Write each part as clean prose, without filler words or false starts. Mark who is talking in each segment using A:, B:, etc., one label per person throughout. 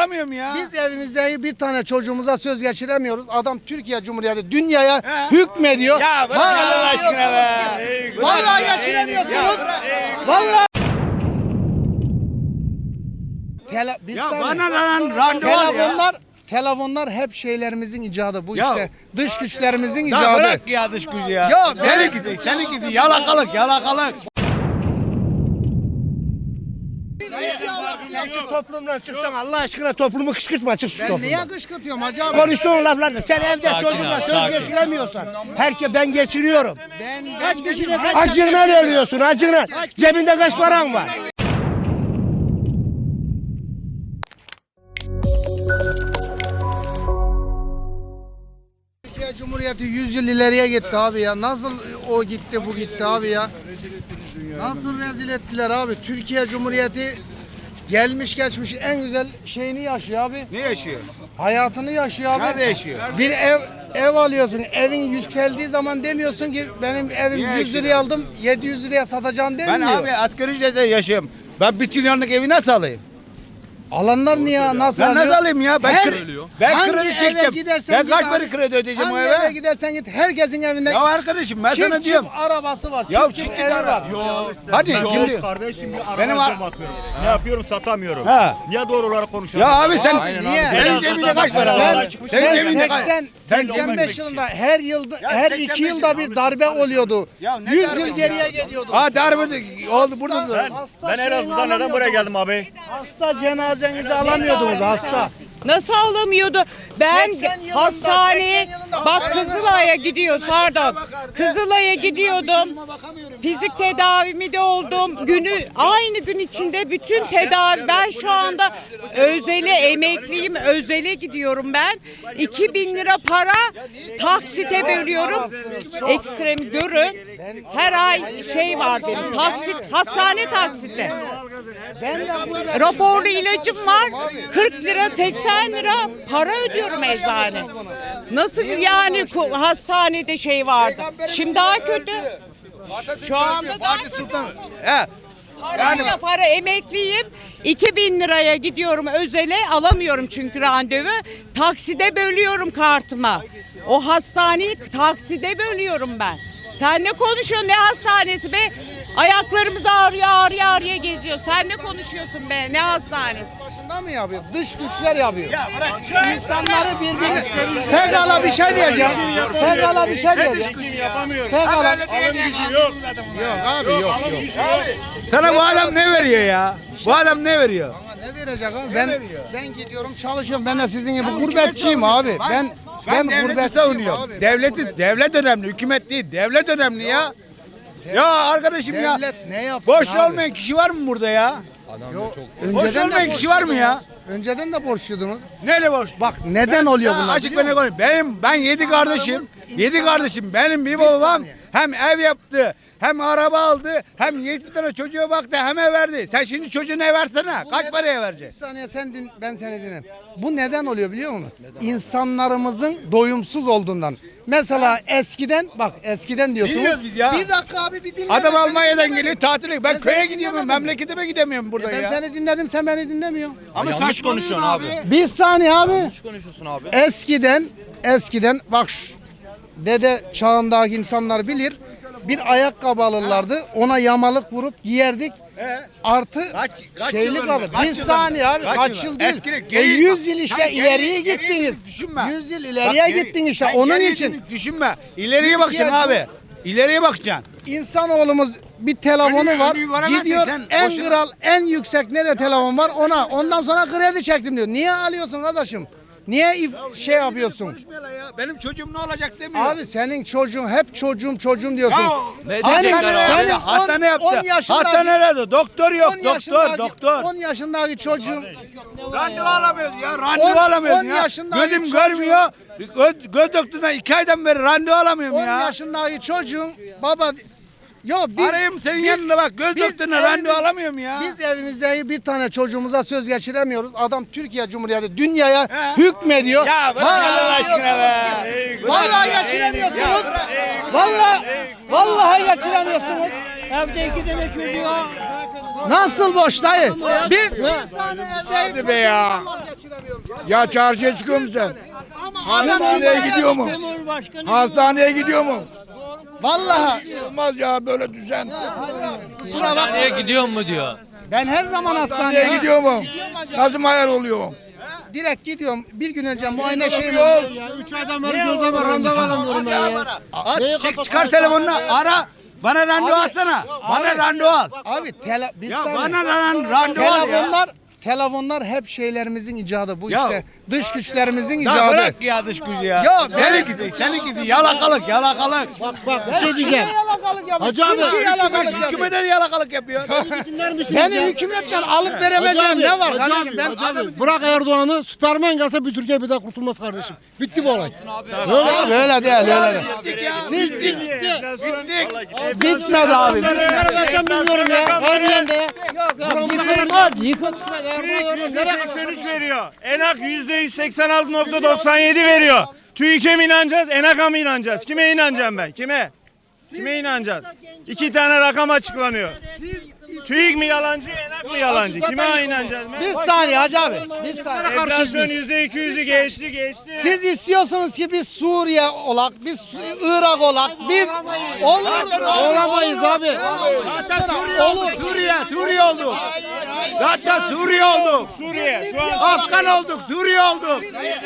A: alamıyorum ya.
B: Biz evimizde bir tane çocuğumuza söz geçiremiyoruz. Adam Türkiye Cumhuriyeti dünyaya hükmediyor.
A: Ya bırak Allah aşkına be.
B: Vallahi geçiremiyorsunuz. Vallahi.
A: Ya bana lan randevu ya.
B: Telefonlar hep şeylerimizin icadı bu
A: Ya.
B: işte. Dış güçlerimizin
A: Ya
B: icadı.
A: bırak ya dış gücü ya.
B: Ya
A: Seni gidi yalakalık.
C: Sen şu toplumdan çıksan Allah aşkına toplumu kışkırtma, çık şu
B: Ben
C: toplumdan.
B: niye kışkırtıyorum hacı abi?
C: Konuştuğun laflarla sen evde çocukla söz geçiremiyorsan ben geçiriyorum.
B: Kaç kişi
C: Acığından ölüyorsun, acığından. Cebinde kaç paran var?
B: Türkiye Cumhuriyeti 100 yıl ileriye gitti abi ya. Nasıl o gitti bu gitti abi ya. Nasıl rezil ettiler abi. Türkiye Cumhuriyeti gelmiş geçmiş en güzel şeyini yaşıyor abi.
A: Ne yaşıyor?
B: Hayatını yaşıyor abi.
A: Nerede yaşıyor?
B: Bir ev alıyorsun. Evin yükseldiği zaman demiyorsun ki benim evim
A: Niye
B: 100 liraya aldım 700 liraya satacağım
A: Ben
B: demiyor.
A: abi asgari ücretle yaşıyorum. Ben 1 trilyonluk evi nasıl alayım?
B: Alanlar niye nasıl
A: Ben
B: alıyor?
A: nasıl alayım ya? Ben
B: Hangi
A: kredi
B: eve
A: çektim.
B: gidersen
A: Ben
B: git
A: kaç
B: abi.
A: para kredi ödeyeceğim o
B: Hangi eve
A: eve?
B: gidersen git herkesin evinde
A: Ya arkadaşım ben sana
B: çift
A: diyorum.
B: arabası var.
A: Ya
B: çift
A: çift
B: evi
A: araba.
B: var.
A: Hadi kim diyor?
D: Kardeşim bir
A: Benim
D: arabacıya bakıyorum. Ne yapıyorum satamıyorum.
A: Ha.
D: Niye doğru olarak konuşuyorum?
A: Ya abi sen
B: niye?
A: senin cebinde kaç para var? Senin cebinde kaç?
B: 85 yılında her yılda her 2
A: 85
B: yılda bir darbe oluyordu.
A: Ya ne
B: 100
A: darbe
B: yıl
A: ya?
B: geriye geliyordu.
A: Aa darbe oldu burada da.
D: Ben Elazığ'dan neden buraya geldim abi?
B: Hasta cenazenizi alamıyordunuz hasta.
E: Nasıl alamıyordu? Ben
B: 80 yılında,
E: hastaneye
B: 80 yılında
E: bak
B: paranı-
E: Kızılay'a gidiyordum pardon. Kızılay'a gidiyordum. Fizik tedavimi de oldum. Aynı gün içinde bütün tedavi ben şu anda özele emekliyim. Özele gidiyorum ben. 2000 lira para taksite bölüyorum. Ekstremi görün. Her ay şey var benim. Taksit, hastane taksiti. Raporlu ilacım var. 40 lira 80 lira para ödüyorum eczane. Nasıl yani hastanede şey vardı. Şimdi daha kötü. Şu anda daha kötü.
A: He.
E: Parayla para emekliyim. 2000 liraya gidiyorum özele alamıyorum çünkü randevu. Takside bölüyorum kartıma. O hastaneyi takside bölüyorum ben. Sen ne konuşuyorsun ne hastanesi be? Ayaklarımız ağrıya geziyor. Sen ne konuşuyorsun be? Ne hastanesi?
B: Başında mı yapıyor? Dış güçler yapıyor. İnsanları birbirine. Pekala bir şey diyeceğim. Pekala bir şey diyeceğim. Pekala. Yok abi yok.
A: Sana bu adam ne veriyor ya? Bu adam ne veriyor?
B: Ama ne verecek abi? Ben gidiyorum çalışıyorum. Ben de sizin gibi gurbetçiyim abi. Ben
A: devleti
B: gurbetçiyim
A: savunuyorum.
B: abi.
A: Devlet önemli, hükümet değil. Devlet önemli ya. Ya arkadaşım ya.
B: Devlet ne yapsın
A: Boş
B: abi?
A: olmayan kişi var mı burada ya?
B: Yok,
A: Boş
B: önceden de
A: olmayan kişi var mı ya?
B: Önceden de borçluydunuz.
A: Neyle boş?
B: Bak neden oluyor bunlar?
A: Açık
B: biliyor
A: ben ne
B: musun?
A: konuşayım. Ben 7 kardeşim. 7 kardeşim. Benim bir babam
B: saniye.
A: hem ev yaptı, hem araba aldı, hem 7 tane çocuğa baktı, hem ev verdi. Sen şimdi çocuğuna ev versene. Kaç paraya
B: Bir
A: vereceksin?
B: saniye ben seni dinlerim. Bu neden oluyor biliyor musun? İnsanlarımızın doyumsuz olduğundan. Mesela eskiden diyorsunuz.
A: Biliyoruz biz ya.
B: Bir dakika abi bir dinle.
A: Adam
B: ben seni
A: Almanya'dan
B: dinlemedim.
A: geliyor tatile. Ben
B: Ben
A: köye
B: seni
A: gidiyorum,
B: dinlemedim.
A: memleketime gidemiyorum burada
B: Ben
A: ya.
B: seni dinledim sen beni dinlemiyorsun.
A: Ama
D: yanlış konuşuyorsun abi.
B: Bir saniye abi.
D: Yanlış konuşuyorsun abi.
B: Eskiden bak dede çağındaki insanlar bilir. Bir ayakkabı alırlardı. Ona yamalık vurup giyerdik. Artı
A: Kaç
B: şeylik
A: yılında?
B: alır.
A: Kaç
B: Bir
A: yılında?
B: saniye abi.
A: Kaç
B: Kaç
A: yılında?
B: yıl değil.
A: Eskili, geri-
B: 100 yıl işte
A: Sen
B: ileriye
A: geriye
B: gittiniz.
A: düşünme.
B: 100 yıl ileriye gittin işte.
A: Sen
B: Onun
A: geriye
B: için
A: düşünme. İleriye bakacaksın abi. İleriye bakacaksın.
B: insanoğlumuz bir telefonu
A: Önü
B: var.
A: göremezsin
B: Gidiyor
A: sen,
B: en
A: boşuna.
B: kral en yüksek nerede telefon var ona. Ondan sonra kredi çektim diyor. Niye alıyorsun kardeşim? Niye şey yapıyorsun?
A: Konuşmayalım ya. Benim çocuğum ne olacak demiyor.
B: Abi senin çocuğun hep çocuğum diyorsun.
A: Ya,
B: Senin
A: hastane yaptı.
B: 10 yaşındaki
A: Hastanelerde doktor yok.
B: 10
A: Doktor.
B: 10 yaşındaki çocuğun
A: Randevu alamıyoruz ya. Randevu alamıyoruz
B: 10
A: ya.
B: yaşındaki
A: Gözüm
B: çocuğu-
A: görmüyor. Göz doktorundan 2 aydan beri randevu alamıyorum
B: 10
A: ya.
B: yaşındaki çocuğun baba yok biz
A: Arayayım senin yanında bak. Göz
B: biz
A: doktoruna randevu
B: evimiz-
A: alamıyorum ya.
B: Biz evimizde bir tane çocuğumuza söz geçiremiyoruz. Adam Türkiye Cumhuriyeti dünyaya hükmediyor.
A: Ya bırak Allah aşkına be.
B: Vallahi geçiremiyorsunuz. Vallahi geçiremiyorsunuz.
C: Evde 2 tane çocuğa.
B: Nasıl boş dayı? Biz
A: Hadi be ya.
F: Ya çarşıya çıkıyor musun sen? Hastaneye gidiyor mu? Hastaneye gidiyor mu?
B: Vallahi
F: Olmaz ya böyle düzen.
G: Hastaneye gidiyor mu diyor.
B: ben her zaman
F: Hastaneye
B: hastaneye
F: gidiyor mu? Nasıl hayal oluyor?
B: direkt gidiyorum. Bir gün önce muayene şeyim
F: Yok.
H: 3 aydan beri gözleme randevu alamıyorum ben ya.
A: Çıkar telefonunu ara. Bana randevu alsana. Bana randevu al.
B: Abi biz
A: Ya
B: saniye.
A: bana randevu al ya.
B: Telefonlar hep şeylerimizin icadı bu
A: Ya.
B: işte. Dış güçlerimizin
A: Ya
B: icadı.
A: bırak ya dış gücü ya.
B: Ya
A: Seni gidi, seni gidi. Yalakalık, yalakalık.
H: Bak bir şey diyeceğim. Hacı abi.
A: Hükümete de yalakalık yapıyor.
H: Dinler misiniz
B: Beni
H: ya?
B: hükümetten alıp veremeyeceğim ne var kardeşim? Ben
H: Hacı abi, bırak Erdoğan'ı, Süpermen gelse bir Türkiye bir daha kurtulmaz kardeşim. Bitti bu olay.
B: öyle öyle değil öyle.
A: Siz bittik.
B: Bitmedi abi.
H: Nereye kaçacağım bilmiyorum ya. Harbiden de ya. Nereye kaçacağım?
I: 83 veriyor. ENAK %186.97 veriyor. TÜİK'e mi inanacağız, ENAK'a mı inanacağız? Kime inanacağım ben? Kime? Kime inanacağız? 2 tane rakam açıklanıyor. TÜİK mi yalancı, ENAK mı yalancı? Kime inanacağız?
B: Bir saniye hacı abi. Bir saniye.
I: Enflasyon %200'ü geçti.
B: Siz istiyorsunuz ki biz Suriye olak, biz Irak olak, biz
H: Olamayız abi.
A: Suriye olduk. Zaten Suriye olduk.
I: Suriye şu an
A: Afgan olduk, Suriye olduk.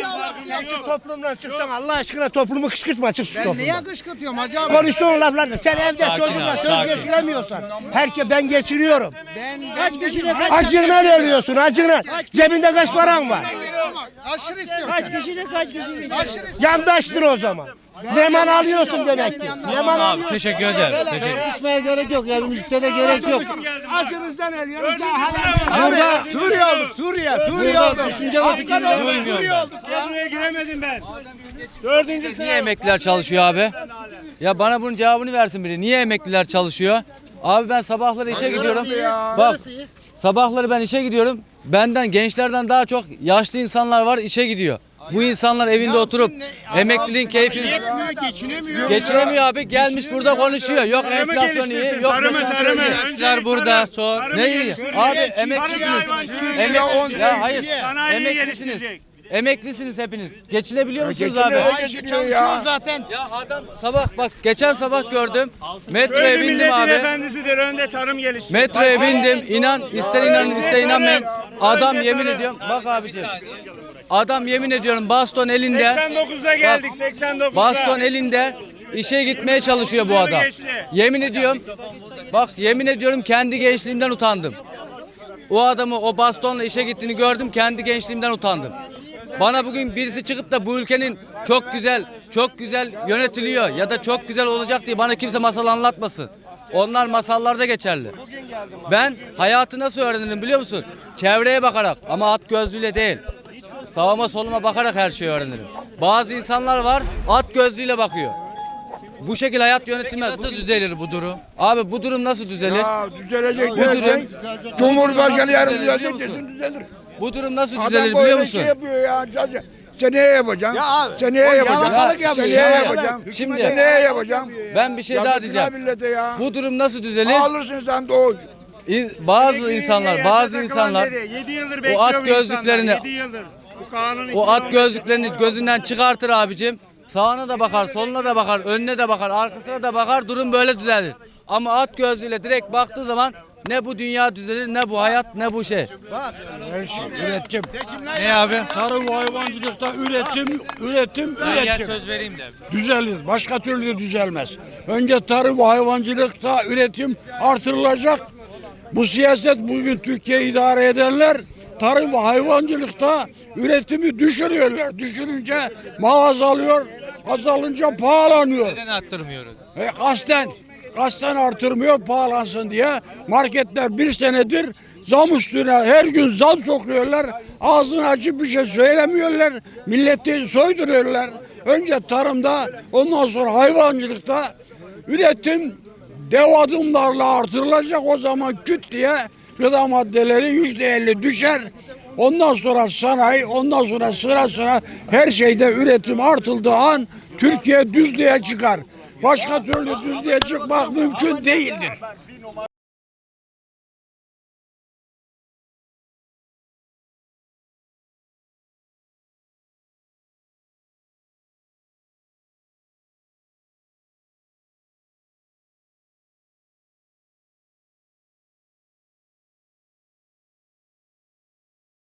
C: Şu toplumdan çıksan Allah aşkına toplumu kışkırtma çık şu
B: Ben
C: toplumdan.
B: niye kışkırtıyorum hacı abi?
C: Konuştuğun laflarla sen evde
G: Sakin
C: çocukla
G: abi,
C: söz
G: sakin.
C: geçiremiyorsan. Ben geçiriyorum.
B: Kaç kişi
C: Acığından ölüyorsun acığından. Cebinde kaç paran var?
B: aşırı istiyorsun.
C: Kaç kişi?
B: Aşırı
C: Yandaştır o zaman. Neman alıyorsun demek ki. Neman
G: Abi
C: alıyorsun.
G: teşekkür ederim. Teşekkür.
H: Tartışmaya gerek yok yani müziklere gerek yok.
C: Acınızdan ölüyoruz. Daha
H: Burada
A: Suriye olduk, Suriye olduk.
H: düşünce ve fikirler.
I: buraya giremedim ben. Dördüncü
G: Niye emekliler çalışıyor abi? Ya bana bunun cevabını versin biri. Niye emekliler çalışıyor? Abi ben sabahları işe gidiyorum. Bak sabahları ben işe gidiyorum. Benden gençlerden daha çok yaşlı insanlar var işe gidiyor. Bu insanlar evinde oturup emekliliğin keyfini geçinemiyor abi. Gelmiş burada konuşuyor. Yok enflasyon iyi, yok
I: Tarımı.
G: emekliler burada sor. Ne iyi? Abi emeklisiniz. Ya hayır.
I: Sanayiyi
G: Emeklisiniz.
I: geliştirecek.
G: Emeklisiniz hepiniz. Geçinebiliyor musunuz abi?
F: Geçiniyor ya.
G: Ya adam sabah geçen sabah gördüm. Metroya
I: Böyle
G: bindim
I: milletin
G: abi.
I: efendisidir. Önde tarım geliştirecek.
G: Metroya bindim. İnan ister inanın ister inanmayın. Adam yemin ediyorum. Bak abicim. Adam yemin ediyorum baston elinde.
I: 89'da geldik. 89'da.
G: Baston elinde işe gitmeye çalışıyor bu adam. Yemin ediyorum. Bak yemin ediyorum kendi gençliğimden utandım. O adamı o bastonla işe gittiğini gördüm. Kendi gençliğimden utandım. Bana bugün birisi çıkıp da bu ülkenin çok güzel yönetiliyor ya da çok güzel olacak diye bana kimse masal anlatmasın. Onlar masallarda geçerli. Ben hayatı nasıl öğrenirim biliyor musun? Çevreye bakarak ama at gözlüğüyle değil. Sağıma soluma bakarak her şeyi öğrenirim. Bazı insanlar var at gözlüğüyle bakıyor. Bu şekilde hayat yönetilmez. Nasıl düzelir bu durum? Abi bu durum nasıl düzelir?
F: Ya düzelecek
G: Bu
F: dersen,
G: durum-
F: Cumhurbaşkanı yarın
G: Biliyor
F: düzelecek
G: musun?
F: desin düzelir.
G: Bu durum nasıl
F: Adam
G: düzelir
F: böyle
G: biliyor musun?
F: şey yapıyor ya. Seneye yapacağım.
A: Ya abi,
F: Seneye
A: o
F: yapacağım.
A: yalakalık yapıyor.
F: Seneye
A: Yalakalık.
F: yapacağım.
G: Şimdi-
F: Seneye yapacağım.
G: Ben bir şey daha
F: Yazık
G: diyeceğim.
F: günah millete ya.
G: Bu durum nasıl düzelir?
F: Alırsın sen de o.
G: Bazı insanlar
I: 7 yıldır
G: o
I: bekliyor
G: at
I: bu insanlar,
G: gözlüklerini
I: 7 yıldır. Bu kanun
G: o at gözlüklerini gözünden çıkartır abicim. Sağına da bakar, soluna da bakar, önüne de bakar, arkasına da bakar. Durum böyle düzelir. Ama at gözlüğüyle direkt baktığı zaman ne bu dünya düzelir, ne bu hayat, ne bu şey.
J: Üretim.
G: Ne abi?
J: Tarım ve hayvancılıkta üretim.
G: Söz vereyim de.
J: Düzelir. Başka türlü düzelmez. Önce tarım ve hayvancılıkta üretim artırılacak. Bu siyaset bugün Türkiye idare edenler tarım ve hayvancılıkta üretimi düşürüyorlar. Düşürünce mal azalıyor. Azalınca pahalanıyor.
G: Neden arttırmıyoruz?
J: Kasten artırmıyor pahalansın diye. Marketler bir senedir zam üstüne her gün zam sokuyorlar. Ağzına açıp bir şey söylemiyorlar. Milleti soyduruyorlar. Önce tarımda ondan sonra hayvancılıkta üretim dev adımlarla artırılacak. O zaman küt diye gıda maddeleri %50 düşer. Ondan sonra sanayi, ondan sonra sıra her şeyde üretim artıldığı an Türkiye düzlüğe çıkar. Başka türlü düzlüğe çıkmak mümkün değildir.